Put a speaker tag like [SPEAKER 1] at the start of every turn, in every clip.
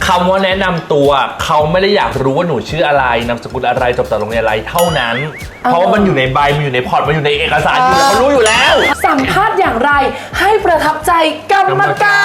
[SPEAKER 1] คำว่าแนะนำตัวเขาไม่ได้อยากรู้ว่าหนูชื่ออะไรนามสกุลอะไรจบจากโรงเรียนอะไรเท่านั้นเพราะว่ามันอยู่ในใบมันอยู่ในพอร์ตมันอยู่ในเอกสารอยู่แล้วเขารู้อยู่แล้ว
[SPEAKER 2] สัมภาษณ์อย่างไรให้ประทับใจกรรมการ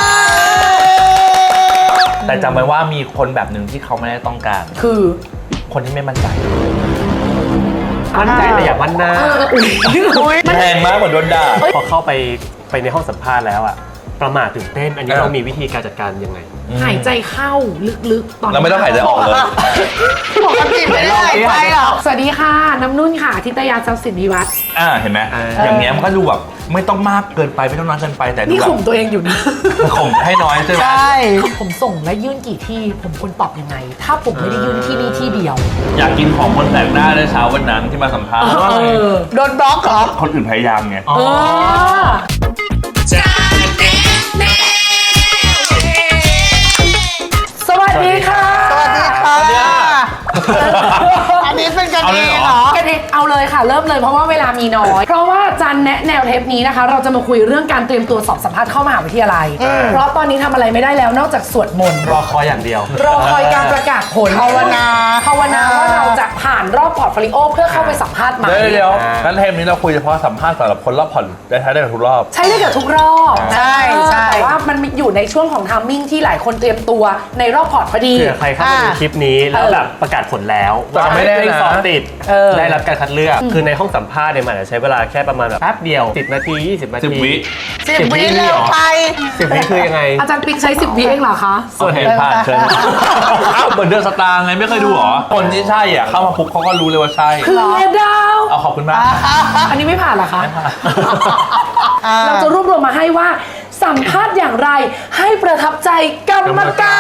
[SPEAKER 1] แต่จำไว้ว่ามีคนแบบหนึ่งที่เขาไม่ได้ต้องการ
[SPEAKER 2] คือ
[SPEAKER 1] คนที่ไม่มั่นใจ
[SPEAKER 3] มั่นใจแต่อย่ามั่นหน้า
[SPEAKER 1] แรงมากเหมือนโดนด่า
[SPEAKER 3] พอเข้าไปในห้องสัมภาษณ์แล้วอะประมาทตื่นเต้นอันนี้เรามีวิธีการจัดการยังไง
[SPEAKER 2] หายใจเข้าลึกๆตอน
[SPEAKER 1] เราไม่ต้องหายใจออกเลย
[SPEAKER 4] ปกติไม่ได้หายใจหรอก
[SPEAKER 2] สวัสดีค่ะน้ำนุ่นค่ะทิตยาทรัพย์สินวิวัฒน์
[SPEAKER 1] เห็นไหมอย่างเงี้ยมันก็ดูแบบไม่ต้องมากเกินไปไม่ต้องน้อยเกินไปแต่ดู
[SPEAKER 2] นี่
[SPEAKER 1] แบบ
[SPEAKER 2] ข่มตัวเองอยู่นะ
[SPEAKER 1] ข่มให้น้อยใช่ไหม
[SPEAKER 4] ใช่
[SPEAKER 2] ผมส่งและยื่นกี่ที่ผมควรตอบยังไง ถ้าผมไม่ได้ยื่นที่นี่ที่เดียว
[SPEAKER 1] อยากกินของคนแปลกหน้าในเช้าวันนั้นที่มาสัมภาษณ์
[SPEAKER 4] โดนบล็อกเหรอ
[SPEAKER 1] คนอื่นพยายามไง
[SPEAKER 2] สวัสดีค่ะ
[SPEAKER 4] สวัสดีค่ะ อันนี้เป็นกันเองเหรอ
[SPEAKER 2] กันเองเอาเลยค่ะ เริ่มเลยเพราะว่าเวลามีน้อย เพราะว่าจันแนะแนวเทปนี้นะคะ เราจะมาคุยเรื่องการเตรียมตัวสอบสัมภาษณ์เข้ามหาวิทยาลัย เพราะตอนนี้ทำอะไรไม่ได้แล้วนอกจากสวดมนต์
[SPEAKER 3] รอคอยอย่างเดียว
[SPEAKER 2] รอคอยการประกาศผล
[SPEAKER 4] ภาวนา
[SPEAKER 2] ภาวนาว่าเราจะผ่านรอบพอร์ตโฟลิโอเพื่อเข้าไปสัมภาษณ์ไหม
[SPEAKER 1] เดี๋ยวงั้นเทปนี้เราคุยเฉพาะสัมภาษณ์สำหรับคนรอบผ่อนได้ท้ายได้กับทุกรอบ
[SPEAKER 2] ใช้ได้กับทุกรอบ
[SPEAKER 4] ใช่ใช่
[SPEAKER 2] แต่ว่ามันอยู่ในช่วงของทัมมิ่งที่หลายคนเตรียมตัวในรอบพอร์ตพอดี
[SPEAKER 3] เผื่อใครเข้ามาดูคลิปนี้แล้วแบบประกาศผลแล้ว
[SPEAKER 1] แต่ไม่แน่นะ
[SPEAKER 3] สอบติด
[SPEAKER 2] เออ
[SPEAKER 3] ได้รับการคัดเลือกคือในห้องสัมภาษณ์เนี่ยมันอาจจะใช้เวลาแค่ประมาณแบบแป๊บเดียว10 นาที 20 นาที
[SPEAKER 1] 10 วิ
[SPEAKER 4] 10 วิเร็วไป
[SPEAKER 3] 10 วิคือยังไง
[SPEAKER 2] อาจารย์ปิ๊กใช้10 วิเองเหรอคะ
[SPEAKER 1] ส่วนเห็นผ่านเชิญอ้าวเหมือนเดือนสตางค์ไงไม่เคยดูเหรอ คนที่ใช่อ่ะเข้ามาปุ๊บเขาก็รู้เลยว่าใช่
[SPEAKER 2] คือดาว
[SPEAKER 1] เอาขอบคุณมาก
[SPEAKER 2] อันนี้ไม่ผ่านเหรอคะ เราจะรวบรวมมาให้ว่า สัมภาษณ์อย่างไรให้ประทับใจกรรมการ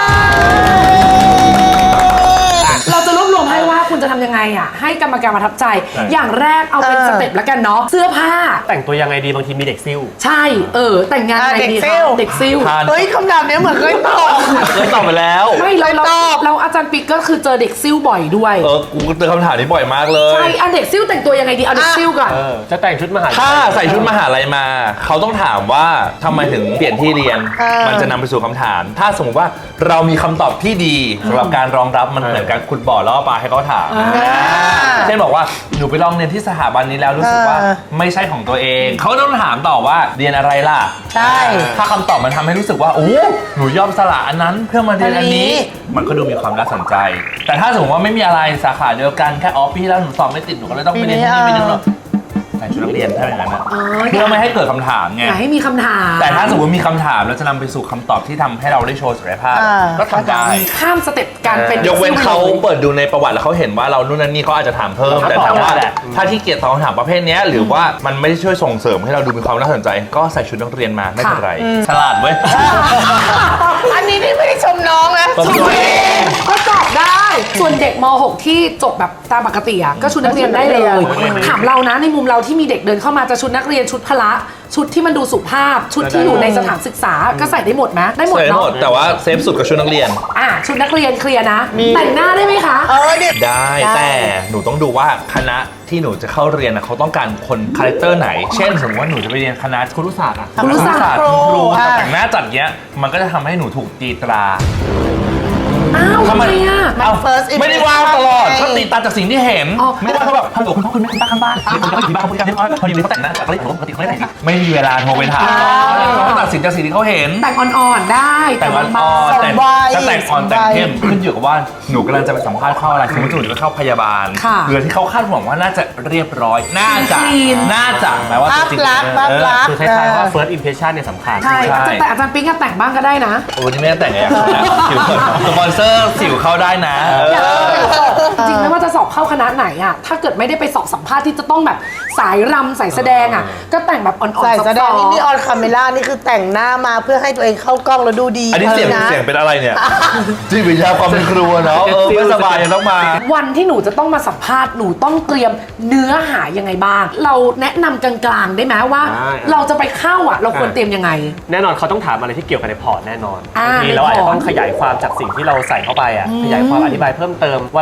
[SPEAKER 2] เราจะรวบรวมให้ว่าคุณจะทำยังไงอ่ะให้กรรมการประทับใจ อย่างแรกเอาเป็นสเต็ปแล้วกันเนาะเสื้อผ้า
[SPEAKER 3] แต่งตัวยังไงดีบางทีมีเด็กซิ่ว
[SPEAKER 2] ใช่แต่งงานไงดีคะเด็กซิล
[SPEAKER 1] ทาน
[SPEAKER 4] เฮ้ยคำถามเนี้ยเหมือนเคยตอบ
[SPEAKER 1] เคยตอบไปแล้ว
[SPEAKER 2] ไม่เรา
[SPEAKER 4] ตอบ
[SPEAKER 2] เราอาจารย์ปิ๊กก็คือเจอเด็กซิลบ่อยด้วย
[SPEAKER 1] กูเจอคำถามนี้บ่อยมากเลย
[SPEAKER 2] ใช่อันเด็กซิลแต่งตัวยังไงดีเอาเด็กซิลก่อน
[SPEAKER 3] จะแต่งชุดมหาลัย
[SPEAKER 1] ถ้าใส่ชุดมหาลัยมา เขาต้องถามว่าทำไมถึงเปลี่ยนที่เรียน มันจะนำไปสู่คำถาม ถ้าสมมติว่าเรามีคำตอบที่ดีสำหรับการรองรับมันเหมือนการขุดบ่อล่อปลาให้เขาถามเช่นบอกว่าหนูไปลองเรียนที่สถาบันนี้แล้วรู้สึกว่าไม่ใช่ของตัวเอง เขาต้องถามต่อว่าเรียนอะไรล่ะ
[SPEAKER 4] ใช่
[SPEAKER 1] ถ้าคำตอบมันทำให้รู้สึกว่าโอ้หนูยอมสละอันนั้นเพื่อมาเรียนอันนี้ มันก็ดูมีความน่าสนใจ แต่ถ้าสมมติว่าไม่มีอะไรสาขาเดียวกันแค่ปีที่แล้วหนูสอบไม่ติดหนูก็เลยต้องไปเรียนที่นี่ไปนึงหรอกใส่ชุดนักเรียนถ้าอย่างนั้นนะเพื่อไม่ให้เกิดคำถามไง
[SPEAKER 2] อย่าให้มีคำถาม
[SPEAKER 1] แต่ถ้าสมมติมีคำถามแล้วจะนำไปสู่คำตอบที่ทำให้เราได้โชว์ศักยภาพก็ทำได้
[SPEAKER 2] ข้ามสเต็ปการเป็น
[SPEAKER 1] ยกเว้นเขา
[SPEAKER 2] ด็กซิ่
[SPEAKER 1] เปิดดูในประวัติแล้วเขาเห็นว่าเรานู่นนั่นนี่เขาอาจจะถามเพิ่ม แต่ถามว่าถ้าที่เกียรติตอบคำถามประเภทนี้หรือว่ามันไม่ได้ช่วยส่งเสริมให้เราดูมีความน่าสนใจ ก็ใส่ชุดนักเรียนมาไม่เป็นไรฉลาดเว้ย
[SPEAKER 4] อันนี้นี่ไม่ได้ชมน้องนะ
[SPEAKER 1] ชมตัวเอง
[SPEAKER 2] ก็ตอบได้ ส่วนเด็กม .6 ที่จบแบบตามปกติอ่ะก็ชุดนักเรียนได้เลย ถามเรานะในมุมเราที่มีเด็กเดินเข้ามาจะชุดนักเรียนชุดพละชุดที่มันดูสุภาพ ชุดที่อยู่ในสถานศึกษาก็ใส่ได้หมดไหมได้หมด
[SPEAKER 1] ใส่หม
[SPEAKER 2] เนาะ
[SPEAKER 1] ดแต่ว่าเซฟสุดกับชุดนักเรียน
[SPEAKER 2] ชุดนักเรียนเคลียร์นะ แต่งหน้าได้ไหมคะ
[SPEAKER 4] เนี่ย
[SPEAKER 1] ได้แต่หนูต้องดูว่าคณะที่หนูจะเข้าเรียนนะเขาต้องการคนคาแรคเตอร์ไหน เช่น สมมติว่าหนูจะไปเรียนคณะครุศาสตร์อะ
[SPEAKER 2] ครุศาสตร์
[SPEAKER 1] ครูแต่แต่งหน้าจัดเงี้ยมันก็จะทำให้หนูถูกตีตรา
[SPEAKER 2] อ้าวทำไมอ่ะ
[SPEAKER 1] เอ้า
[SPEAKER 4] first
[SPEAKER 1] ไม่ได้วางตลอดเขาตีตาจากสิ่งที่เห็น
[SPEAKER 2] อ๋อ
[SPEAKER 1] ไม่ได้ว่าเขาแบบฮัลโหลคุณพ่อคุณแม่คุณป้าข้างบ้านเดี๋ยวคุณจะไปอยู่บ้านเขาพูดกันเรียบร้อยพอดีเลยเขาแต่งหน้าจากอะไรปกติเขาไม่แต่งไม่มีเวลาโทรไปถามเขาตัดสินจากสิ่งที่เขาเห็น
[SPEAKER 2] แต่งอ่อนๆได้
[SPEAKER 1] แต่งอ่อน
[SPEAKER 2] เบา
[SPEAKER 1] ๆแต่ง
[SPEAKER 4] ใบ
[SPEAKER 1] ถ้าแต่งอ่อนแต่งเข้มขึ้นอยู่กับว่าหนูกำลังจะไปสัมภาษณ์เข้าอะไรสมมติหนูจะเข้าพยาบาลหรือที่เขาคาดหวังว่าน่าจะเรียบร้อยน่าจะแม้ว่า
[SPEAKER 4] ภาพ
[SPEAKER 1] จริง
[SPEAKER 4] ลักษณ์ภาพลักษณ์
[SPEAKER 3] คือคล้ายๆว่า first impression เนี่ยสำคัญ
[SPEAKER 2] ใช่แต่อาจารย์ปิ๊งก็แต่งบ้างก็ได้นะ
[SPEAKER 1] โอ้นี่ไม่ได้แต่งไงสิวสปอนเซอร์สิวเข้าได้นะ
[SPEAKER 2] จริงไม่ว่าจะสอบเข้าคณะไหนอ่ะถ้าเกิดไม่ได้ไปสอบสัมภาษณ์ที่จะต้องแบบสายรำสายแสดงอ่ะก็แต่งแบบอ่อนๆ
[SPEAKER 4] ใส่แสดง
[SPEAKER 2] ซอฟต์ๆ
[SPEAKER 4] นี่ออนคาเมล่านี่คือแต่งหน้ามาเพื่อให้ตัวเองเข้ากล้องแล้วดูดี
[SPEAKER 1] อันนี้เสียง
[SPEAKER 4] นะ
[SPEAKER 1] เป็นอะไรเนี่ยจิตวิทยาความเป็นครัวเนาะไม่สบายยังต้องมา
[SPEAKER 2] วันที่หนูจะต้องมาสัมภาษณ์หนูต้องเตรียมเนื้อหายังไงบ้าง เราแนะนำกลางๆได้ไหมว่า เราจะไปเข้าอ่ะเราควรเตรียมยังไง
[SPEAKER 3] แน่นอนเขาต้องถามอะไรที่เกี่ยวกับในพอร์ตแน่นอน
[SPEAKER 2] อ่า
[SPEAKER 3] บางทีเราอาจจะต้องขยายความจากสิ่งที่เราใส่เข้าไปอ่ะขยายความอธิบายเพิ่มเติมว่าเราไปทำ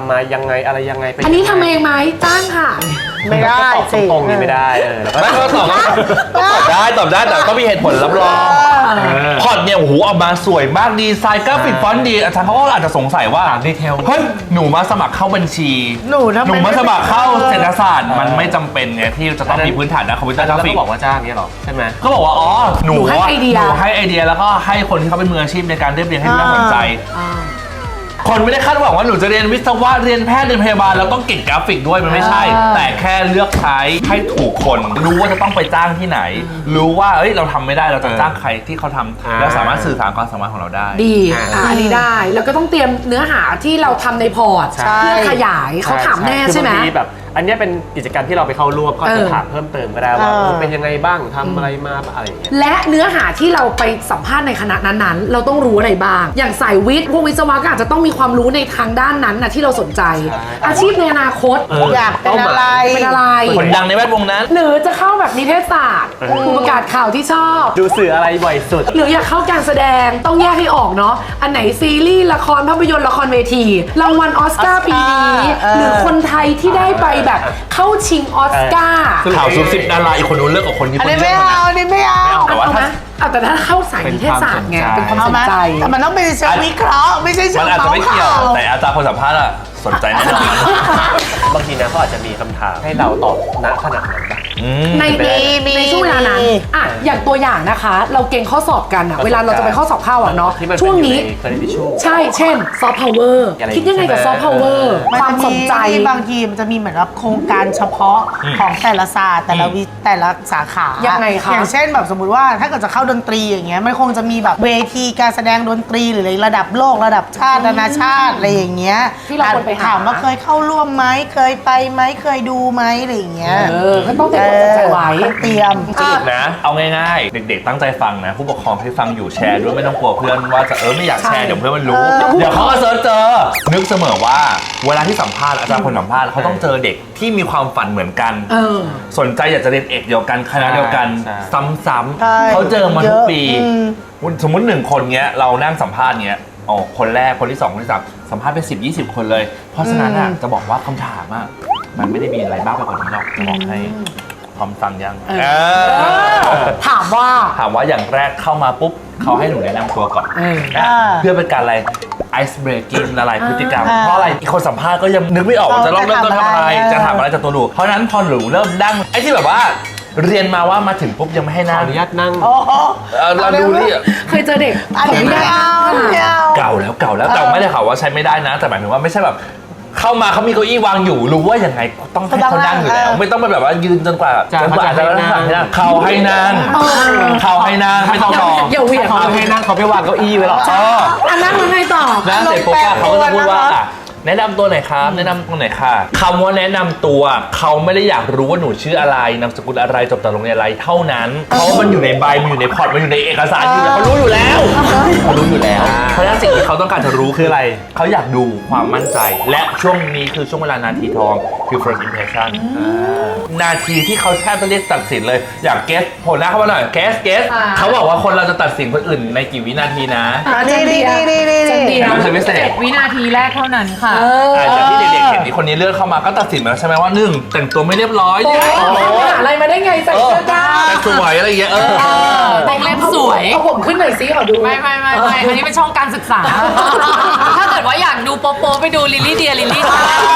[SPEAKER 3] ำมายังไงอะไรยังไงไป
[SPEAKER 2] อันนี้ทำเองไหมจ้างค่ะ
[SPEAKER 4] ไม่ได้
[SPEAKER 3] ตอบ
[SPEAKER 4] สิ
[SPEAKER 3] ตรงๆนี่ไม่ได้แล้วก็
[SPEAKER 1] ไม่ก็ตอบได้แต่ต้องมีเหตุผลรับรองพอร์ตเนี่ยโอ้โหออกมาสวยมากดีไซน์กราฟิกฟอนต์ดีอาจารย์เขาก็อาจจะสงสัยว่า
[SPEAKER 3] ดีเทล
[SPEAKER 1] เฮ้ยหนูมาสมัครเข้าบัญชี
[SPEAKER 4] หนูทำไม
[SPEAKER 1] มาสมัครเข้าเศรษฐศาสตร์มันไม่จำเป็นไงที่จะต้องมีพื้นฐานด้านคอมพิวเตอร์ก
[SPEAKER 3] แล้
[SPEAKER 1] ราว ฟิ
[SPEAKER 3] ก็
[SPEAKER 1] ก
[SPEAKER 3] บอกว่าจ้างเนี่ยหรอใช่ไหม
[SPEAKER 1] ก็บอกว่าอ๋อหนู
[SPEAKER 2] หนูให้ไอเดีย
[SPEAKER 1] หนูให้ไอเดียแล้วก็ให้คนที่เขาเป็นมืออาชีพในการเรียบเรียงให้น่าสนใจ คนไม่ได้คาดหวังว่าหนูจะเรียนวิศวะเรียนแพทย์เรียนพยาบาลแล้วต้องเก่งกราฟิกด้วยมันไม่ใช่ แต่แค่เลือกใช้ให้ถูกคน รู้ว่าจะต้องไปจ้างที่ไหน รู้ว่าเอ้ยเราทำไม่ได้เราจะจ้างใครที่เขาทำแล้วสามารถสื่อสารความสามารถของเราได้
[SPEAKER 2] ดีอันนี้ได้ แล้วก็ต้องเตรียมเนื้อหาที่เราทำในพอร์ต
[SPEAKER 3] ใช่
[SPEAKER 2] เพื่อขยายเขาถามแน่ใช่ไหม
[SPEAKER 3] คือบางทีแบบอันเนี้ยเป็นกิจกรรมที่เราไปเข้าร่วมก็จะถามเพิ่มเติมก็ได้ว่าเป็นยังไงบ้างทำอะไรมาอะไรอย่างเงี้ย
[SPEAKER 2] และเนื้อหาที่เราไปสัมภาษณ์ในคณะนั้นๆ เราต้องรู้อะไรบ้าง อย่างสายวิทย์พวกวิศวะก็อาจจะต้องมีความรู้ในทางด้านนั้นนะที่เราสนใจ
[SPEAKER 3] ใช่
[SPEAKER 2] อาชีพในอนาคต
[SPEAKER 4] อยากเป็นอะไร
[SPEAKER 2] เป็นอะไร
[SPEAKER 1] คนดังในแวดวงนั้น
[SPEAKER 2] หรือจะเข้าแบบนิเทศศาสตร์ผู้ประกาศข่าวที่ชอบ
[SPEAKER 3] ดูสื่ออะไรบ่อยสุด
[SPEAKER 2] หรืออยากเข้าการแสดงต้องแยกให้ออกเนาะอันไหนซีรีส์ละครภาพยนตร์ละครเวทีรางวัลออสการ์ปีนี้หรือคนไทยที่ได้ไปแบบเข้าชิงออสการ์
[SPEAKER 1] ข่าวซุบซิบดาราอีกคนนู้นเลิกกับคนที่
[SPEAKER 4] อัน
[SPEAKER 1] คน
[SPEAKER 4] นี้
[SPEAKER 1] เย
[SPEAKER 4] ไม่
[SPEAKER 1] อะ
[SPEAKER 4] เอาอันนี้ไม่เอา
[SPEAKER 1] แต่ว่า
[SPEAKER 2] เอาไหม
[SPEAKER 1] ถ้า
[SPEAKER 2] เอาแต่ถ้าเข้าสายนิเทศศาสตร์ไงเป็นความสนใจ
[SPEAKER 4] แต่มันต้องเป็นเชิงวิเคราะห์ไม่ใช่เชิ
[SPEAKER 1] มั
[SPEAKER 4] ง
[SPEAKER 1] นอาจจะไม่เกี่ยว
[SPEAKER 4] ข่า
[SPEAKER 1] แต่อาจารย์คนสัมภาษณ์อะสนใจแน่นอน
[SPEAKER 3] บางทีนะเขาอาจจะมีคำถามให้เราตอบณขณะนั้นแบบ
[SPEAKER 2] ในช่วงเวลานั้นอ่ะอย่างตัวอย่างนะคะ เราเก่งข้อสอบกันอะเวลาเราจะไปข้อสอบเข้าอะเนาะ
[SPEAKER 3] ที่มัน
[SPEAKER 2] ช่วงนี้
[SPEAKER 3] เคยได้ช่วง
[SPEAKER 2] ใช่เช่นซอฟต์พาวเวอร์
[SPEAKER 3] อะไร
[SPEAKER 2] คิดยังไงกับซอฟต์พาวเวอร์
[SPEAKER 4] มัน
[SPEAKER 2] ความ
[SPEAKER 4] จะ
[SPEAKER 2] สนใจ
[SPEAKER 4] มีบางทีมันจะมีเหมือนกับโครงการเฉพาะของแต่ละศาสตร์แต่ละสาขายั
[SPEAKER 2] งไงคะ
[SPEAKER 4] อย่างเช่นแบบสมมุติว่าถ้าเกิดจะเข้าดนตรีอย่างเงี้ยมันคงจะมีแบบเวทีการแสดงดนตรีหรือระดับโลกระดับชาตินานาชาติอะไรอย่างเงี้ย
[SPEAKER 2] ที่เราควรไปหา
[SPEAKER 4] ถามว่าเคยเข้าร่วมไหมเคยไปไหมเคยดูไหมอะไรอย่างเงี้ย
[SPEAKER 2] ก็ต้องเตรียมความสนใจไว้
[SPEAKER 4] ต้องเตรียม
[SPEAKER 1] สรุปนะ เอาง่ายๆ เด็กๆ ตั้งใจฟังนะ ผู้ปกครองที่ฟังอยู่แชร์ด้วยไม่ต้องกลัวเพื่อนว่าจะไม่อยากแชร์เดี๋ยวเพื่อนมันรู้ เดี๋ยวเขาก็เซิร์ชเจอ นึกเสมอว่าเวลาที่สัมภาษณ์อาจารย์คนสัมภาษณ์เขาต้องเจอเด็กที่มีความฝันเหมือนกัน สนใจอยากจะเรียนเอกเดียวกันคณะเดียวกัน
[SPEAKER 3] ใช่
[SPEAKER 1] ซ้ำๆเขาเจอมาทุกปี สมมติ1 คนเงี้ยเรานั่งสัมภาษณ์เงี้ยอ๋อคนแรกคนที่2คนที่3สัมภาษณ์ไป10-20 คนเลย เพราะฉะนั้นอะจะบอกว่าคำถามอะมันไม่ได้มีอะไรมากไปกว่านี้หรอกจะบอกให้พร้อมฟังยัง
[SPEAKER 2] ถามว่า
[SPEAKER 1] ถามว่าอย่างแรกเข้ามาปุ๊บเขาให้หนูแนะนำตัวก่อน
[SPEAKER 4] อ่า
[SPEAKER 1] เพื่อเป็นการอะไร ice breaking ละลายพฤติกรรม
[SPEAKER 4] อ่า
[SPEAKER 1] เพราะอะไรอีกคนสัมภาษณ์ก็ยังนึกไม่ออกว่าจะต้องเริ่มต้นทำอะไร
[SPEAKER 4] จะ
[SPEAKER 1] จะ
[SPEAKER 4] ถา
[SPEAKER 1] ถาม ม
[SPEAKER 4] อะ
[SPEAKER 1] อะไร ไรจากตัวหนูเพราะฉะนั้นพอหนูเริ่มดั้งไอ้ที่แบบว่าเรียนมาว่ามาถึงปุ๊บยังไม่ให้
[SPEAKER 3] ขอ
[SPEAKER 1] นั่ง
[SPEAKER 3] อนุญาตนั่ง
[SPEAKER 4] โอ้โห
[SPEAKER 1] เราดูนี่
[SPEAKER 2] เคยเจอเด็ก
[SPEAKER 4] อันนี้ไม่เอาไม่เอา
[SPEAKER 1] เก่าแล้วแต่ไม่ได้ข่าวว่าใช้ไม่ได้นะ แต่หมายถึงว่าไม่ใช่แบบ เข้ามาเขามีเก้าอี้วางอยู่รู้ว่ายังไงต้องให้เขานั่งอยู่แล้ว ไม่ต้องไปแบบว่ายืนจนกว่า
[SPEAKER 3] จะ
[SPEAKER 1] จะนั่งเขาให้นั่งเขาให้นั่งไม่ต้องรอ
[SPEAKER 2] อย่าเหวี่ยง
[SPEAKER 3] เขาให้นั่งเขาไม่วางเก้าอี้ไว้หรอก
[SPEAKER 2] อันนั้นมันไงต่อ
[SPEAKER 1] แล้วเสร็จปุ๊บเขาก็จะพูดว่าแนะนำตัวหน่อยครับแนะนำตัวหน่อยค่ะคำว่าแนะนำตัวเขาไม่ได้อยากรู้ว่าหนูชื่ออะไรนามสกุลอะไรจบจากโรงเรียนอะไรเท่านั้นเพราะว่ามันอยู่ในใบมันอยู่ในพอร์ตมันอยู่ในเอกสารอยู่แล้วเขารู้อยู่แล้วเขารู้อยู่แล้วเพราะฉะนั้นสิ่งที่เขาต้องการจะรู้คืออะไรเขาอยากดูความมั่นใจ และช่วงนี้คือช่วงเวลานาทีทองคือ first impression นาทีที่เขาแทบจะเรียกตัดสินเลยอยากเกสโผล่หน้าเข้ามาหน่อยเกสเขาบอกว่าคนเราจะตัดสินคนอื่นในกี่วินาทีนะ
[SPEAKER 4] นี่
[SPEAKER 2] จันเดีย
[SPEAKER 1] ไม่ใช่พิเศษ
[SPEAKER 5] 7 วินาทีแรกเท่านั้นค่ะ
[SPEAKER 1] จากที่เด็กๆเห็นที่คนนี้เลื่อนเข้ามาก็ตัดสินมาแล้วใช่ไหมว่า1แต่งตัวไม่เรียบร้อย
[SPEAKER 2] โอ้
[SPEAKER 1] เนี่ย
[SPEAKER 2] ยอะไรมาได้ไงใส่เสื้อกล้าม
[SPEAKER 1] แต่งสวยอะไรอย่างเงี้ย
[SPEAKER 5] วงเล็บสวย
[SPEAKER 2] เอาผมขึ้นหน่อยสิขอดู
[SPEAKER 5] ไม่อันนี้เป็นช่องการศึกษา ถ้าเกิดว่าอยากดูโป๊ะๆไปดูลิลลี่เดียลิลลี่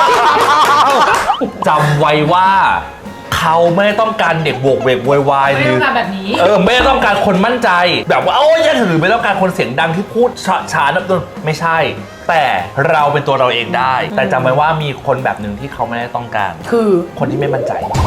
[SPEAKER 1] จำไว้ว่าเขาไม่ได้ต้องการเด็กโวกเวกโวยวายห
[SPEAKER 5] ไม่
[SPEAKER 1] รือ
[SPEAKER 5] ต้องการแบบนี้
[SPEAKER 1] ไม่ได้ต้องการคนมั่นใจ แบบว่าโอ้ยหรือไม่ต้องการคนเสียงดังที่พูดช้าๆนับตัวไม่ใช่ แต่เราเป็นตัวเราเองได้ แต่จำไว้ว่ามีคนแบบหนึ่งที่เขาไม่ได้ต้องการ
[SPEAKER 2] คือ
[SPEAKER 1] คนที่ไม่มั่นใจ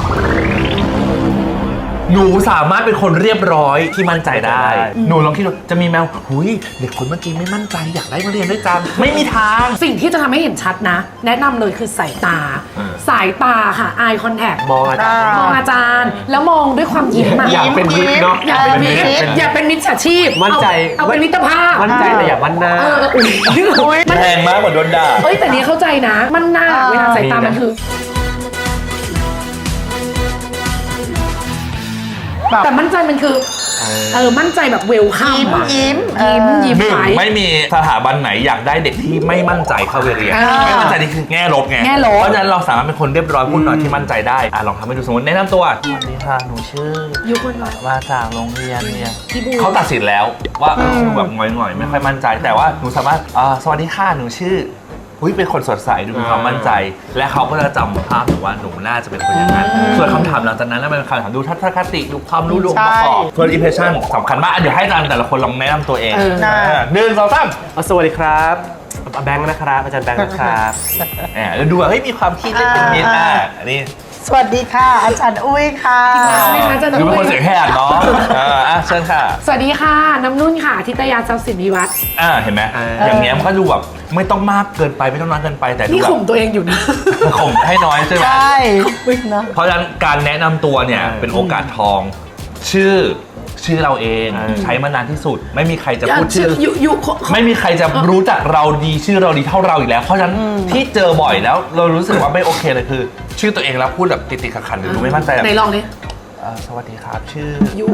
[SPEAKER 1] หนูสามารถเป็นคนเรียบร้อยที่มั่นใจได้ หนูลองคิดดูจะมีแมวหุยเด็กคนเมื่อกี้ไม่มั่นใจอยากได้มาเรียนด้วยจังไม่มีทาง
[SPEAKER 2] สิ่งที่จะทำให้เห็นชัดนะ แนะนำเลยคือสายตา สายตาค่ะ eye contact
[SPEAKER 3] มองอาจารย์
[SPEAKER 2] มองอาจารย์ แล้วมองด้วยความยิ้มอะ
[SPEAKER 3] อยากเป็นวิทย์เนาะ
[SPEAKER 2] อย่าเป็นมิตรอย่าเป็นมิตรฉาชีพ
[SPEAKER 3] มั่นใจ
[SPEAKER 2] เอาเป็นมิตรภาพ
[SPEAKER 3] มั่นใจแต่อย่ามั่นหน้า
[SPEAKER 2] อุ๊ยมัน
[SPEAKER 1] แพงมากกว่าโดนด่า
[SPEAKER 2] เอ้ยแต่นี้เข้าใจนะ มันหน้าเวลาสายตามันคือ แต่มั่นใจมันคือมั่นใจแบบเวลคัม
[SPEAKER 4] ยิ้ม
[SPEAKER 2] ยิ้ม
[SPEAKER 1] หนึ่ง
[SPEAKER 2] ไว้
[SPEAKER 1] ไม่มีสถาบันไหนอยากได้เด็กที่ไม่มั่นใจเข้าไปเรียน ไม่มั่นใจนี่คือแง่ลบไง
[SPEAKER 2] แง่ลบ
[SPEAKER 1] เพราะฉะนั้นเราสามารถเป็นคนเรียบร้อยพูดหน่อยที่มั่นใจได้ลองทำให้ดูสมมติแนะนำตัวสวัสดีค่ะหนูชื่อ
[SPEAKER 2] ยุคนน้อย
[SPEAKER 1] มาจากโรงเรียนเนี่ย
[SPEAKER 2] พี่บู
[SPEAKER 1] เขาตัดสินแล้วว่าแบบหงอยๆไม่ค่อยมั่นใจ แต่ว่าหนูสามารถสวัสดีค่ะหนูชื่อเป็นคนสดใสดูมีความมั่นใจ และเขาก็จะจำภาพหนูว่าหนูน่าจะเป็นคนอย่างนั้นส่วนคำถามหลังจากนั้นแล้วเป็นคำถามดูทัศนคติดูความรู้ดูองค์ประกอบส่วน impression สำคัญมากเดี๋ยวให้อาจารย์แต่ละคนลองแนะนำตัวเองหนึ่งสองสาม
[SPEAKER 3] สวัสดีครับแบงค์นะครับอาจารย์แบงค์นะครับ
[SPEAKER 1] แล้วดูว่ามีความคิดเล่นเป็นมิตรอันนี้
[SPEAKER 4] สวัสดีค่ะ อาจารย์อุ้ยค่ะ
[SPEAKER 2] ไม่คะจะ
[SPEAKER 1] ดูเป็นคนเสียงแหบเนาะเชิญค่ะ
[SPEAKER 2] สวัสดีค่ะน้ำนุ่นค่ะทิตยาทรัพย์สินวิวัฒน์
[SPEAKER 1] เห็นไหมอย่างเงี้ยมันก็ดูแบบไม่ต้องมากเกินไปไม่ต้องน้อยเกินไปแต่ดู
[SPEAKER 2] นี่
[SPEAKER 1] แบบ
[SPEAKER 2] ข่มตัวเองอยู่นะ
[SPEAKER 1] ข่มให้น้อยใช่ไหม
[SPEAKER 4] ใช่นะ
[SPEAKER 1] เพราะฉะนั้นการแนะนำตัวเนี่ยเป็นโอกาสทองชื่อเราเองใช้มานานที่สุด ไม่มีใครจะพูดชื่อ ไม่มีใครจะรู้จักเราดีชื่อเราดีเท่าเราอีกแล้ว เพราะฉะนั้นที่เจอบ่อยแล้วเรารู้สึกว่าไม่โอเคเลยคือ ชื่อตัวเองแล้วพูดแบบติดๆขัดๆหรือดูไม่มั่นใจแบบ
[SPEAKER 2] ไหนลองดิ
[SPEAKER 1] สวัสดีครับชื่อ
[SPEAKER 2] ยุ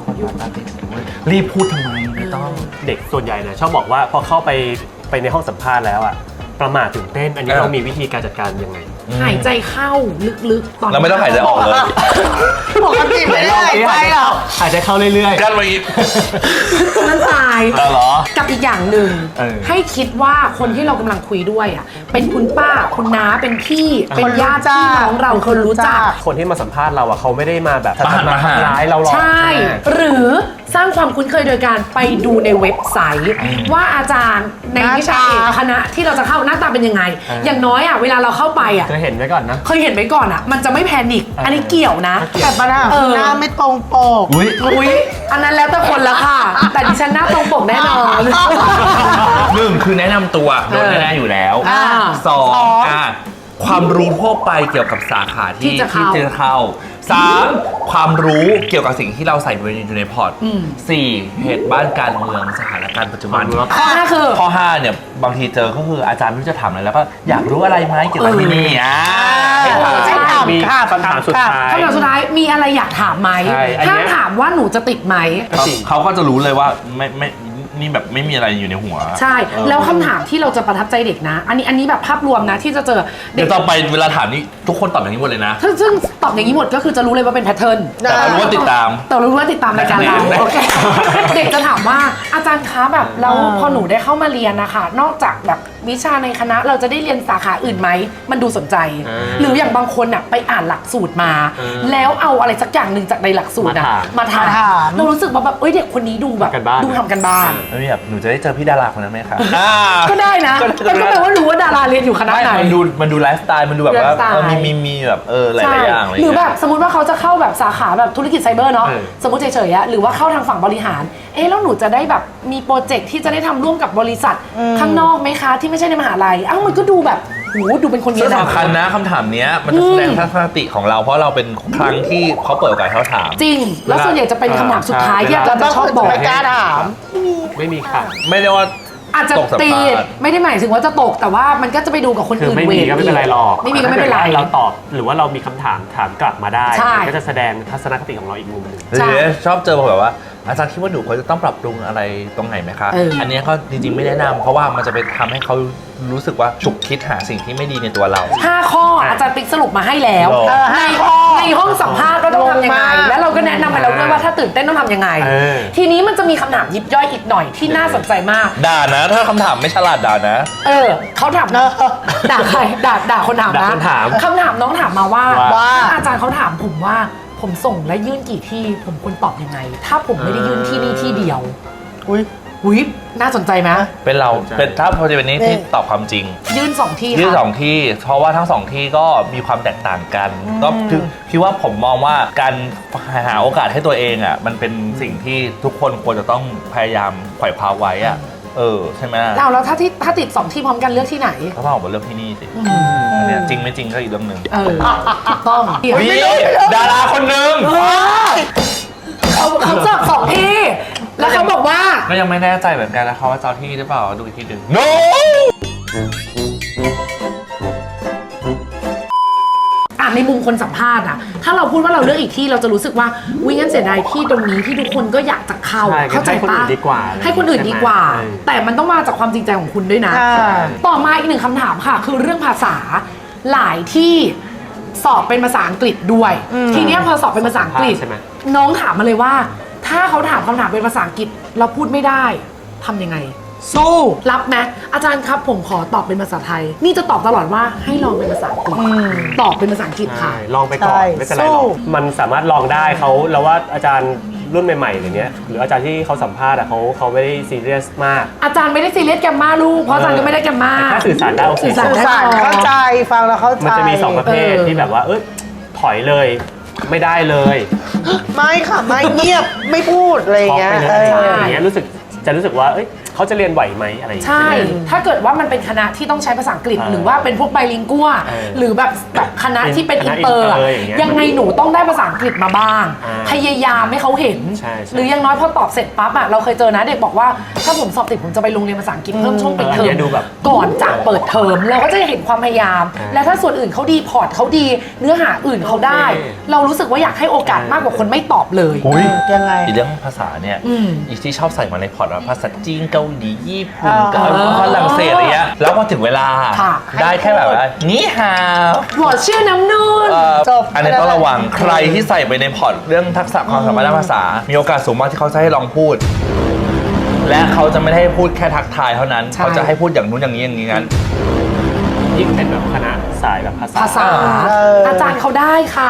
[SPEAKER 1] คนมาติดรีบพูดทำไมไม่ต้อง
[SPEAKER 3] เด็กส่วนใหญ่เนี่ยชอบบอกว่าพอเข้าไปในห้องสัมภาษณ์แล้วอะประมาทตื่นเต้นอันนี้เรามีวิธีการจัดการยังไง
[SPEAKER 2] หายใจเข้าลึกๆตอน
[SPEAKER 1] แล้วไม่ต้องหายใจออกเลย
[SPEAKER 4] ปกติไม่ได้หายใจหรอก
[SPEAKER 3] หายใจเข้าเรื่อย
[SPEAKER 1] กันมาอีก
[SPEAKER 2] นั่นตาย
[SPEAKER 1] เหรอ
[SPEAKER 2] กับอีกอย่างหนึ่ง
[SPEAKER 1] เออ
[SPEAKER 2] ให้คิดว่าคนที่เรากำลังคุยด้วยอ่ะเป็นคุณป้าคุณน้าเป็นพี่เป็นญาติพี่น้องเราคนรู้จัก
[SPEAKER 3] ๆคนที่มาสัมภาษณ์เราอะเขาไม่ได้มาแบบ
[SPEAKER 1] มาหันมาหา
[SPEAKER 3] ทำร้ายเราหรอก
[SPEAKER 2] ใช่
[SPEAKER 3] ไหม
[SPEAKER 2] หรือสร้างความคุ้นเคยโดยการไปดูในเว็บไซต์ ว่าอาจารย์ในวิชาเอกคณะที่เราจะเข้าหน้าตาเป็นยังไง อย่างน้อยอ่ะเวลาเราเข้าไปอ่ะ
[SPEAKER 3] จะเห็นไว้ก่อนนะ
[SPEAKER 2] เคยเห็นไว้ก่อนอ่ะ มันจะไม่แพนิคอันนี้เกี่ยวนะ
[SPEAKER 4] แต่ปัญหาคือหน้าไม่ตรงปก
[SPEAKER 1] อุ้ย
[SPEAKER 2] อุ๊ยอันนั้นแล้วแต่คนละค่ะ แต่ดิฉันหน้าตรงปกแน่นอน
[SPEAKER 1] หนึ่งคือแนะนำตัวโดนแน่ๆอยู่แล้ว สองความรู้ทั่วไปเกี่ยวกับสาขาที่
[SPEAKER 2] ที่จะเข้า
[SPEAKER 1] สามความรู้เกี่ยวกับสิ่งที่เราใส่อยู่ในพอร์ตสี่เหตุบ้านการเมืองสถานการณ์ปัจจุบัน
[SPEAKER 2] ข้อห้าคือ
[SPEAKER 1] ข้อ5เนี่ยบางทีเจอก็คืออาจารย์ไม่รู้จะถามอะไรแล้วก็อยากรู้อะไรไหมเกี่ยวกับที่นี่ให้ถาม
[SPEAKER 4] ใช่
[SPEAKER 3] มี
[SPEAKER 4] ค่ะ
[SPEAKER 3] คำถามสุดท้าย
[SPEAKER 2] คำถามสุดท้ายมีอะไรอยากถามไหม
[SPEAKER 3] ใช่อันเนี้
[SPEAKER 2] ถ้าย ถามว่าหนูจะติดไหม
[SPEAKER 1] เขาก็จะรู้เลยว่าไม่นี่แบบไม่มีอะไรอยู่ในหัว
[SPEAKER 2] ใช่ แล้วคำถามที่เราจะประทับใจเด็กนะ อันนี้แบบภาพรวมนะที่จะเจอเด็
[SPEAKER 1] เดี๋ย
[SPEAKER 2] ก
[SPEAKER 1] วต่อไปเวลาถามนี่ทุกคนตอบอย่างนี้หมดเลยนะ
[SPEAKER 2] ซึ่งตอบอย่างนี้หมดก็คือจะรู้เลยว่าเป็นแพทเทิร์น
[SPEAKER 1] แต่เรารู้ว่าติดตาม
[SPEAKER 2] แต่เรารู้ว่าติดตามรายการเรา
[SPEAKER 1] ได้
[SPEAKER 2] โอเคเด็กจะถามว่าอาจารย์คะแบบแล้วพอหนูได้เข้ามาเรียนนะคะนอกจากแบบวิชาในคณะเราจะได้เรียนสาขาอื่นไหมมันดูสนใจ หรืออย่างบางคนอ่ะไปอ่านหลักสูตรมา แล้วเอาอะไรสักอย่างหนึ่งจากในหลักสูตรอ่ะมาถามเรารู้สึกว่าแบบเด็กคนนี้ดูแบบดูทำกันบ้าน
[SPEAKER 1] แล้วแบบหนูจะได้เจอพี่ดาราคนนั้นไหมคะ
[SPEAKER 2] ก็ได้นะมันก็แปลว่ารู้ว่าดาราเรียนอยู่คณะไหน
[SPEAKER 1] มันดูไลฟ์สไตล์มันดูแบบว่า
[SPEAKER 2] ไลฟ์สไตล์
[SPEAKER 1] มีแบบหลายๆอย่างอะไร
[SPEAKER 2] หรือ
[SPEAKER 1] เงี้ย
[SPEAKER 2] แบบสมมติว่าเขาจะเข้าแบบสาขาแบบธุรกิจไซเบอร์เนาะสมมติเฉยๆอะหรือว่าเข้าทางฝั่งบริหารแล้วหนูจะได้แบบมีโปรเจกต์ที่จะได้ทำร่วมกับบริษัทข้างนอกไหมคะที่ไม่ใช่ในมหาลัยมันก็ดูแบบดูเป็นคนมี
[SPEAKER 1] ซึ่ง
[SPEAKER 2] อนา
[SPEAKER 1] สำคัญนะคำถามเนี้ยมันจะแสดงทัศนคติของเราเพราะเราเป็นครั้งที่เขาเปิดโอกาสให้เขาถาม
[SPEAKER 2] จริง แล้วส่วนใหญ่จะเป็นคำถามสุดท้ายที่อาจารย์จะชอบบอก
[SPEAKER 4] ไม่กล้าถาม
[SPEAKER 3] ไม่มีค่ะ
[SPEAKER 1] ไม่ได้ว่า
[SPEAKER 2] อาจจะ
[SPEAKER 1] ตกสัมภาษณ์
[SPEAKER 2] ตีไม่ได้หมายถึงว่าจะตกแต่ว่ามันก็จะไปดูกับคน
[SPEAKER 3] คือ
[SPEAKER 2] อื่น
[SPEAKER 3] ไม่มีก็ไม่เป็นไรหรอก
[SPEAKER 2] ไม่มีก็ไม่เป็นไร
[SPEAKER 3] ถ้ากิดว่าเราตอบหรือว่าเรามีคำถามกลับมาได้
[SPEAKER 2] ใช่
[SPEAKER 3] มันก็จะแสดงทัศนคติของเราอีกมุมหนึ่ง
[SPEAKER 2] ใช่
[SPEAKER 1] ชอบเจอแบบว่าอาจารย์คิดว่าหนูควรจะต้องปรับปรุงอะไรตรงไหนไหมคะ อันนี้ก็จริงๆไม่แนะนำเพราะว่ามันจะไปทำให้เขารู้สึกว่าฉุกคิดหาสิ่งที่ไม่ดีในตัวเรา
[SPEAKER 2] 5 ข้ออาจารย์ติ๊กสรุปมาให้แล้ว ในห้องสัมภาษณ์ว่าต้องทำยังไง แล้วเราก็แนะนำไปแล้วด้วยว่าถ้าตื่นเต้นต้องทำยังไง ทีนี้มันจะมีคำถามยิบย่อยอีกหน่อยที่น่าสนใจมาก
[SPEAKER 1] ด่านะ ถ้าคำถามไม่ฉลาดด่านะ
[SPEAKER 2] เขาถามด่าใครด่าคนถาม
[SPEAKER 3] ด่า
[SPEAKER 2] นะ
[SPEAKER 3] คนถาม
[SPEAKER 2] คำถามน้องถามมาว่า
[SPEAKER 4] ว่า
[SPEAKER 2] อาจารย์เขาถามผมว่าผมส่งและยื่นกี่ที่ผมควรตอบยังไง ถ้าผมไม่ได้ยื่นที่นี่ที่เดียว
[SPEAKER 4] อุ้ย
[SPEAKER 2] น่าสนใจไหม
[SPEAKER 1] เป็นเราเป็นถ้าพอจะเป็นนี้ที่ตอบความจริง
[SPEAKER 2] ยื่น2 ที่
[SPEAKER 1] ยื่น
[SPEAKER 2] ค่ะ
[SPEAKER 1] สองที่ เพราะว่าทั้งสองที่ก็มีความแตกต่างกัน ก็คิดว่าผมมองว่าการหาโอกาสให้ตัวเองอ่ะมันเป็นสิ่งที่ทุกคนควรจะต้องพยายามไขว่คว้าไว้อ่ะใช่ไหม
[SPEAKER 2] แล้วถ้าติด2 ที่พร้อมกันเลือกที่ไหน
[SPEAKER 1] ก็ต้องออกมาเรื่องที่นี่สิอันเนี้ยจริงไม่จริงก็อีกเรื่องหนึ่ง
[SPEAKER 2] ถูกต้อง
[SPEAKER 1] มีดาราคนหนึ่ง
[SPEAKER 2] เขาเจอ2 ที่ แล้วเขาบอกว่า
[SPEAKER 1] ก็ยังไม่แน่ใจเหมือนกันนะคะว่าเจ้าที่หรือเปล่าดูอีกทีหนึ่ง no
[SPEAKER 2] ในในมุมคนสัมภาษณ์อะถ้าเราพูดว่าเราเลือกอีกที่เราจะรู้สึกว่าวิงั้นเสียดายที่ตรงนี้ที่ทุกคนก็อยากจะเข้า
[SPEAKER 3] ใช่
[SPEAKER 2] เข้าใจ
[SPEAKER 3] ให้คน
[SPEAKER 2] ปะ
[SPEAKER 3] อื่นดีกว่า
[SPEAKER 2] ให้คนอื่นดีกว่า
[SPEAKER 3] ใช่ไหม
[SPEAKER 2] แต่มันต้องมาจากความจริงใจของคุณด้วยนะ ต่อมาอีกหนึ่งคำถามค่ะ คือเรื่องภาษาหลายที่สอบเป็นภาษาอังกฤษด้วย ทีเนี้ยพอสอบเป็นภาษาอังกฤษ
[SPEAKER 3] ใช่ไหม
[SPEAKER 2] น้องถามมาเลยว่า ถ้าเขาถามคำถามเป็นภาษาอังกฤษเราพูดไม่ได้ทำยังไง สู้รับไหมอาจารย์ครับผมขอตอบเป็นภาษาไทย นี่จะตอบตลอดว่าให้ลองเป็นภาษาอังกฤษตอบเป็นภาษาอังกฤษค่ะ
[SPEAKER 3] ใช่ลองไปก่อน
[SPEAKER 4] ใช่
[SPEAKER 3] ไม่เป็นไรหรอก
[SPEAKER 4] สู้
[SPEAKER 3] มันสามารถลองได้เขาเราว่าอาจารย์รุ่นใหม่ๆอย่างเงี้ยหรืออาจารย์ที่เขาสัมภาษณ์อะเขาไม่ได้ซีเรียสมาก
[SPEAKER 2] อาจารย์ไม่ได้ซีเรียสแกมมาลูกเพราะอาจารย์ก็ไม่ได้แกมมา
[SPEAKER 3] แต่ถ้าสื่อสารได้โอเค
[SPEAKER 2] สื่อสาร
[SPEAKER 4] สื่อ
[SPEAKER 2] ได้
[SPEAKER 4] สาร
[SPEAKER 2] พอ
[SPEAKER 4] เข้าใจฟังแล้วเข้าใจ
[SPEAKER 3] มันจะมี2ประเภทที่แบบว่าถอยเลยไม่ได้เลย
[SPEAKER 4] ไม่ค่ะไม่เงียบไม่พูดอะไรอย่าง
[SPEAKER 3] ช็อก
[SPEAKER 4] เงี้ย
[SPEAKER 3] ไปเลย
[SPEAKER 4] เออ
[SPEAKER 3] อย่างเงี้ยรู้สึกว่าเขาจะเรียนไหวไหมอะไรอย่างเงี้ย
[SPEAKER 2] ใช่ ถ้าเกิดว่ามันเป็นคณะที่ต้องใช้ภาษาอังกฤษ หรือว่าเป็นพวกไบลิงกัว หรือแบบคณะที่เป็น
[SPEAKER 3] ค
[SPEAKER 2] อิ
[SPEAKER 3] ณะ
[SPEAKER 2] นเตอร์
[SPEAKER 3] อินเตอร์อย่างเงี้ย
[SPEAKER 2] ยังไงหนูต้องได้ภาษาอังกฤษมาบ้าง พยายามให้เขาเห็น
[SPEAKER 3] ใช่
[SPEAKER 2] หรืออยังน้อยพอตอบเสร็จปั๊บอะเราเคยเจอนะเด็กบอกว่าถ้าผมสอบติดผมจะไปโรงเรียนภาษาอังกฤษเพิ่มช่วงปิดเทอ
[SPEAKER 3] อัน
[SPEAKER 2] ม
[SPEAKER 3] เนี้ยดูแบบ
[SPEAKER 2] ก่อนจะเปิดเทอมเราก็จะเห็นความพยายาม และถ้าส่วนอื่นเขาดีพอร์ตเขาดี เนื้อหาอื่นเขาได้ เรารู้สึกว่าอยากให้โอกาสมากกว่าคนไม่ตอบเลย
[SPEAKER 1] อุ้ย
[SPEAKER 4] ยังไง
[SPEAKER 1] อีเรื่องภาษาเนี่ย
[SPEAKER 2] อืม
[SPEAKER 1] อีที่ชอบใส่มาในพอร์ตว่าภาษาจีนเกาหลีญี่ปุ่น
[SPEAKER 4] อ่า
[SPEAKER 1] ฝรั่งเศสอะไรเงี้ยแล้วพอถึงเวลา
[SPEAKER 2] ค่ะ
[SPEAKER 1] ได้แค่แบบว่านี่ฮาว
[SPEAKER 2] หัวชื่อน้ำนุ่น
[SPEAKER 4] จบ
[SPEAKER 1] อันนี้ต้องระวังใครที่ใส่ไปในพอร์ตเรื่องทักษะความสามารถด้านภาษา มีโอกาสสูงมากที่เขาจะให้ลองพูด และเขาจะไม่ได้ให้พูดแค่ทักทายเท่านั้น
[SPEAKER 2] ใช่
[SPEAKER 1] เขาจะให้พูดอย่างนู้นอย่างนี้อย่างนี้งั้น
[SPEAKER 3] ยิ่งเป็นแบบคณะสายแบบภาษา
[SPEAKER 2] ภาษา อาจารย์เขาได้ค่ะ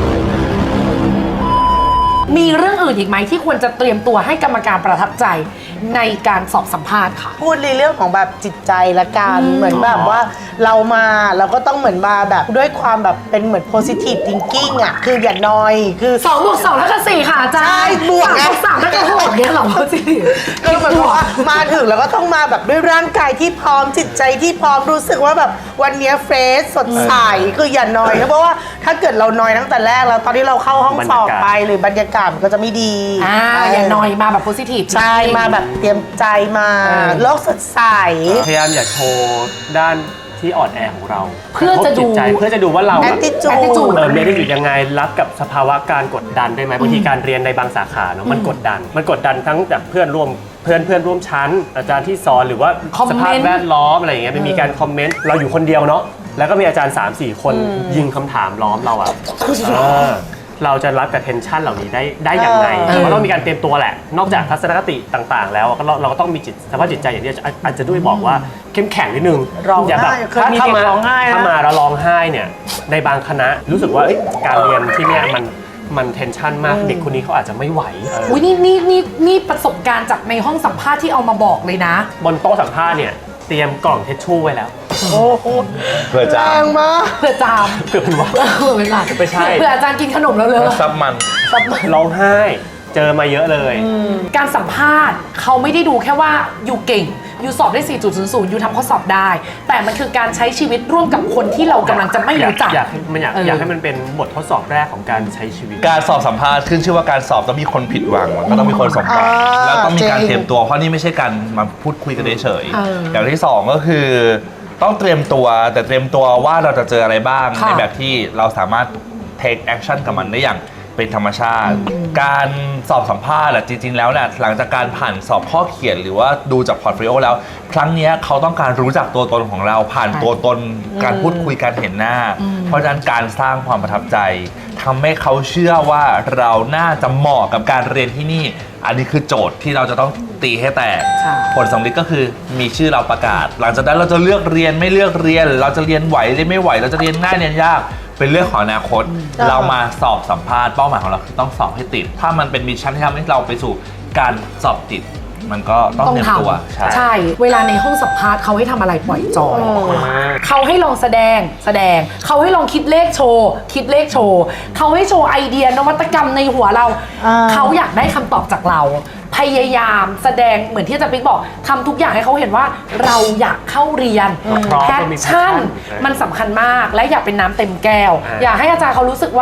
[SPEAKER 2] มีเรื่องอื่นอีกไหมที่ควรจะเตรียมตัวให้กรรมการประทับใจในการสอบสัมภาษณ์ค่ะ
[SPEAKER 4] พูดในเรื่องของแบบจิตใจละกันเหมือนแบบว่าเราก็ต้องเหมือนมาแบบด้วยความแบบเป็นเหมือน positive thinking อ่ะคืออย่านอยคือ
[SPEAKER 2] 2 บวก 2 แล้วก็ 4 ค่ะอาจารย์
[SPEAKER 4] ใช่บวกไง
[SPEAKER 2] 3 แล้วก็6เนี่ยเหรอสิ
[SPEAKER 4] คือแบบว่ามาถึงแล้วก็ต้องมาแบบด้วยร่างกายที่พร้อมจิตใจที่พร้อมรู้สึกว่าแบบวันเนี้เฟรชสดใสคืออย่านอยเพราะว่าถ้าเกิดเรานอยตั้งแต่แรกแล้วตอนที่เราเข้าห้องสอบไปหรือบรรยากาศมันก็จะไม่ดี
[SPEAKER 2] อย่านอยมาแบบ positive
[SPEAKER 4] ใช่มาแบบเตรียมใจมาโลกสดใส
[SPEAKER 3] พยายามอย่าโชว์ด้านที่อ่อนแอของเรา
[SPEAKER 2] เพื่อจะดู
[SPEAKER 3] กรทบจิตใจเพื่อจะดูว่าเราอะ
[SPEAKER 4] attitude
[SPEAKER 3] มีได้อยู่ยังไงรับกับสภาวะการกดดันได้ไหมบางทีการเรียนในบางสาขาเนาะมันกดดันทั้งแบบเพื่อนร่วมชั้น อาจารย์ที่สอนหรือว่า
[SPEAKER 2] คอม
[SPEAKER 3] ส
[SPEAKER 2] เมนต์
[SPEAKER 3] ภาพแวดล้อมอะไรอย่างเงี้ยไม่มีการคอมเมนต์เราอยู่คนเดียวเนาะแล้วก็มีอาจารย์ 3-4 คนยิงคำถามล้อมเราอะเราจะรับกับเทนชันเหล่านี้ได้อย่างไรเราก็ต้องมีการเตรียมตัวแหละ นอกจากทัศนคติต่างๆ แล้วเราก็ต้องมีสภาพจิตใจอย่างที่อาจจะด้วยบอกว่าเข้มแข็งนิดนึง
[SPEAKER 4] ร้องไห้
[SPEAKER 3] อย่าแบบ
[SPEAKER 4] เคยมีเด็กร้องไห้นะ
[SPEAKER 3] ถ้ามาแล้วร้องไห้เนี่ยในบางคณะรู้สึกว่าการเรียนที่เนี่ยมันเทนชันมากเด็กคนนี้เขาอาจจะไม่ไหว
[SPEAKER 2] อุ้ยนี่ประสบการณ์จากในห้องสัมภาษณ์ที่เอามาบอกเลยนะ
[SPEAKER 3] บนโต๊ะสัมภาษณ์เนี่ยเตรียมกล่องเทชชู่ไว้แล้ว
[SPEAKER 4] โอ้โห
[SPEAKER 1] เพื่อ
[SPEAKER 4] แร
[SPEAKER 1] จะ
[SPEAKER 4] งมาก
[SPEAKER 2] เผื่อจาม
[SPEAKER 3] เพื่อเป็นว่า
[SPEAKER 2] เผื่อเป็นหลัก
[SPEAKER 3] ไม่ใช่
[SPEAKER 2] เผื่ออาจารย์กินขนมแล้วเลย
[SPEAKER 1] ซับมัน
[SPEAKER 3] ร้องไห้เจอมาเยอะเลย
[SPEAKER 2] การสัมภาษณ์เขาไม่ได้ดูแค่ว่าอยู่เก่งอยู่สอบได้ 4.00 อยู่ทำข้อสอบได้ แต่มันคือการใช้ชีวิตร่วมกับคนที่เรากำลังจะไม่รู้จัก
[SPEAKER 3] อยากให้มันเป็นบททดสอบแรกของการใช้ชีวิต
[SPEAKER 1] การสอบสัมภาษณ์ขึ้นชื่อว่าการสอบต้องมีคนผิดหวังมันก็ต้องมีคนสมหวังแล้วต้องมีการเตรียมตัวเพราะนี่ไม่ใช่การมาพูดคุยกันเฉยๆอย่างที่สองก็คือต้องเตรียมตัวแต่เตรียมตัวว่าเราจะเจออะไรบ้างในแบบที่เราสามารถ take action กับมันได้อย่างเป็นธรรมชาติ การสอบสัมภาษณ์จริงๆแล้วเนี่ยหลังจากการผ่านสอบข้อเขียนหรือว่าดูจากพอร์ตโฟลิโอแล้ว ครั้งนี้เขาต้องการรู้จักตัวตนของเราผ่านตัวตนการพูดคุยการเห็นหน้า เพราะฉะนั้นการสร้างความประทับใจทำให้เขาเชื่อว่าเราน่าจะเหมาะกับการเรียนที่นี่ อันนี้คือโจทย์ที่เราจะต้องตีให้แตก ผลสำลิดก็คือมีชื่อเราประกาศ หลังจากนั้นเราจะเลือกเรียนไม่เลือกเรียน เราจะเรียนไหวเรียนไม่ไหวเราจะเรียนง่ายเรียนยากเป็นเรื่องของอนาคต เรามาสอบสัมภาษณ์เป้าหมายของเราคือต้องสอบให้ติด ถ้ามันเป็นมิชชั่นที่ทำให้เราไปสู่การสอบติด มันก็ต้องเตรียมตัว
[SPEAKER 2] ใช่ เวลาในห้องสัมภาษณ์เขาให้ทำอะไรปล่อยจอยเขาให้ลองแสดงเขาให้ลองคิดเลขโชว์เขาให้โชว์ไอเดียนวัตกรรมในหัวเรา เขาอยากได้คำตอบจากเรา พยายามแสดงเหมือนที่อาจารย์ปิ๊กบอกทำทุกอย่างให้เขาเห็นว่าเราอยากเข้าเรียนแพชชั่นมันสำคัญมากและอย่าเป็นน้ำเต็มแก้ว อย่าให้อาจารย์เขารู้สึกว่า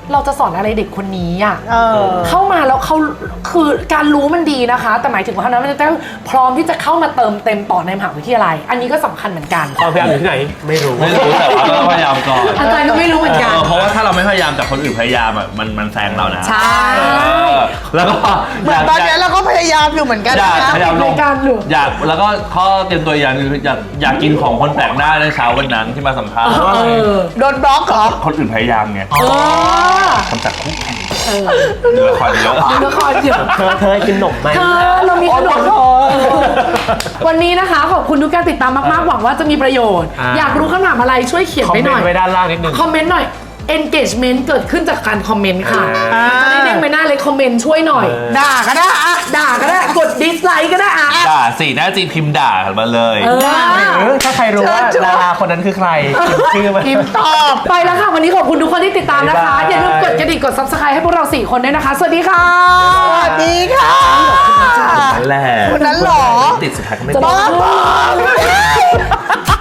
[SPEAKER 2] เราจะสอนอะไรเด็กคนนี้อ่ะ
[SPEAKER 4] เออ
[SPEAKER 2] เข้ามาแล้วเขาคือการรู้มันดีนะคะ แต่หมายถึงว่าเขานั้นมันจะต้องพร้อมที่จะเข้ามาเติมเต็มต่อในมหาวิทยาลัย อันนี้ก็สำคัญเหมือนกัน
[SPEAKER 3] ความพยายามอยู่ที่ไหนไม่รู้
[SPEAKER 1] ไม่รู้แต่ว่าก็พยายามก่อน
[SPEAKER 2] อาจารย์ก็ไม่รู้เหมือนกัน
[SPEAKER 1] เพราะว่าถ้าเราไม่พยายามแต่คนอื่นพยายามอ่ะมันแซงเรานะ
[SPEAKER 2] ใช่
[SPEAKER 1] แล้วก็
[SPEAKER 4] เหมือนตอนนี้เราก็พยายามอยู่เหมือนกัน
[SPEAKER 1] อยาก
[SPEAKER 4] นะ
[SPEAKER 1] พยายามลง
[SPEAKER 2] รายการหรือ
[SPEAKER 1] อยากแล้วก็ข้อเตรียมตัวอย่างคืออยากกินของคนแปลกหน้าในเช้าวันนั้นที่มาสัมภาษณ์
[SPEAKER 4] โดนบล็อกเหรอ
[SPEAKER 1] คนอื่นพยายามไง
[SPEAKER 2] เออ
[SPEAKER 1] คำจัดคู่แข่งดูละครเยอะ
[SPEAKER 2] ดูละครเยอะ
[SPEAKER 3] เธอกินขนมไหม
[SPEAKER 2] เธอเรามีขนมวันนี้นะคะขอบคุณทุกการติดตามมากๆหวังว่าจะมีประโยชน์
[SPEAKER 3] อ่า
[SPEAKER 2] อยากรู้คำถามอะไรช่วยเขียน
[SPEAKER 3] คอม
[SPEAKER 2] ไป
[SPEAKER 3] เม
[SPEAKER 2] ห
[SPEAKER 3] น
[SPEAKER 2] น่อย
[SPEAKER 3] ต์ไว้ด้านล่างนิดนึง
[SPEAKER 2] คอมเมนต์หน่อย engagement เกิดขึ้นจากการคอมเมนต์ค่ะ
[SPEAKER 3] อ่า
[SPEAKER 2] จะได้เด้งไปหน้าเลยคอมเมนต์ช่วยหน่อย
[SPEAKER 4] ด่าก็ได้อะ
[SPEAKER 2] ด่าก็ได้กดดิสไลค์ก็ได้อะ
[SPEAKER 1] ด่าสิหน้าจริงพิมพ์ด่ามาเลย
[SPEAKER 2] เออ
[SPEAKER 3] หรือถ้าใครรู้ว่าดาราคนนั้นคือใครพิมพ์ชื่อมา
[SPEAKER 4] พิมพ์ตอบ
[SPEAKER 2] ไปแล้วค่ะวันนี้ขอบคุณทุกคนที่ติดตามนะคะ
[SPEAKER 3] บ๊ายบาย
[SPEAKER 2] อย่าลืมกดกระดิ่งกด subscribe ให้พวกเรา4คนด้วยนะคะ สวัสดีค่ะ
[SPEAKER 4] สวัสดีค่ะ
[SPEAKER 1] นั่นแหละ
[SPEAKER 4] คนนั้นเหรอ
[SPEAKER 1] ติดสุดท้ายก็ไม่
[SPEAKER 2] จะ
[SPEAKER 1] ติด
[SPEAKER 2] บอก